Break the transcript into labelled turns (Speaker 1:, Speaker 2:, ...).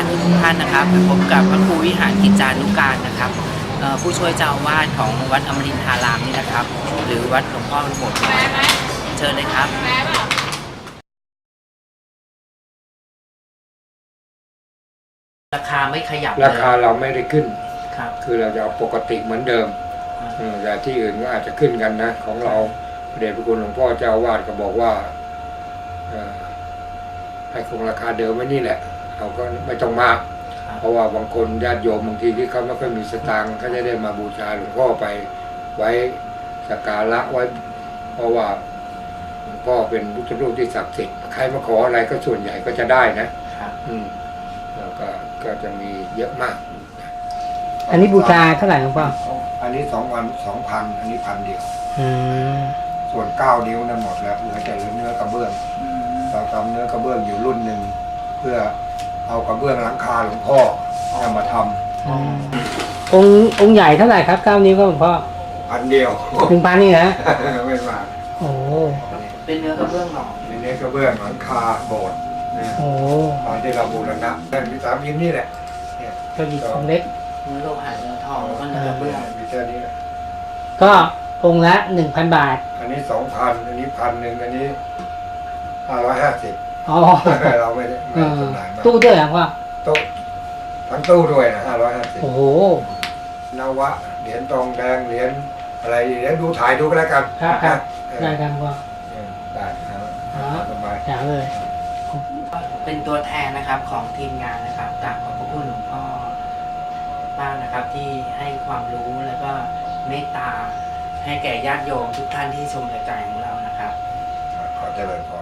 Speaker 1: ทุกท่านนะครับพบกับพระครูวิหารกิจจานุการนะครับผู้ช่วยเจ้าอาวาสของวัดอมรินทารามนี่นะครับหรือวัดหลวงพ่อโบสถ์น้อยเชิญเลยครับราคาไม่ขยับ
Speaker 2: ราคาเราไม่ได้ขึ้น
Speaker 1: ครับ
Speaker 2: คือเราจะเอาปกติเหมือนเดิมแต่ที่อื่นก็อาจจะขึ้นกันนะของเราพระเดชพระคุณหลวงพ่อเจ้าอาวาสก็บอกว่าให้คงราคาเดิมไว้นี่แหละเราก็ไม่ต้องมากเพราะว่าบางคนญาติโยมบางทีที่เขาไม่ค่อยมีสตางค์เขาจะได้มาบูชาหลวงพ่อไปไว้สักการะไว้เพราะว่าหลวงพ่อเป็นพุทธรูปที่ศักดิ์สิทธิ์ใครมาขออะไรก็ส่วนใหญ่ก็จะได้นะแล้วก็จะมีเยอะมาก
Speaker 3: อันนี้บูชาเท่าไหร่หลวงพ่อ
Speaker 2: อันนี้2,000 2,000อันนี้1,000เดียวส่วน9 นิ้วนั้นหมดแล้วเหลือแต่เนื้อกระเบื้องเราทำเนื้อกระเบื้องอยู่รุ่นหนึ่งเพื่อเอากระเบื้องหลังคาหลวงพ่อมาท
Speaker 3: ำองค์ใหญ่เท่าไหร่ครับ9 นิ้วก็หลวงพ่อ
Speaker 2: 1,000เดียว
Speaker 3: 1,000นี่นะ
Speaker 2: ไม่มาก
Speaker 3: โอ้
Speaker 1: เป็นเนื้อกระเบื้องหรอ
Speaker 2: เป็นเนื้อกระเบื้องหลังคาโบสถ์ตอนที่เราบูรณะนั่นมี3 ยิ้มนี่แหละ
Speaker 3: ก็หยิบองเล็ก
Speaker 1: เนื้อโลหะเนื้อทองแล้วก็เนื้อกระเบื้อง
Speaker 2: มีแค่นี้
Speaker 3: ก็องค์ละ 1,000 บาท
Speaker 2: อันนี้ 2,000อันนี้1,000อันนี้550เราไม่ได้จำหน่ายมา
Speaker 3: ตู้ด้วยเหรอพ่อ
Speaker 2: ตู้ทั้งตู้ด้วยนะ550
Speaker 3: โอ้โห
Speaker 2: นวะเหรียญทองแดงเหรียญอะไรเหรียญดูถ่ายดูก็แล้วกัน
Speaker 3: ครับได้ครับพ่อ
Speaker 2: ได้ครับสบาย
Speaker 3: จ๋าเลย
Speaker 1: เป็นตัวแทนนะครับของทีมงานนะครับกราบขอบพระคุณหลวงพ่อมากนะครับที่ให้ความรู้แล้วก็เมตตาให้แก่ญาติโยมทุกท่านที่ชมรายการของเรานะครับ
Speaker 2: ขอเจริญพร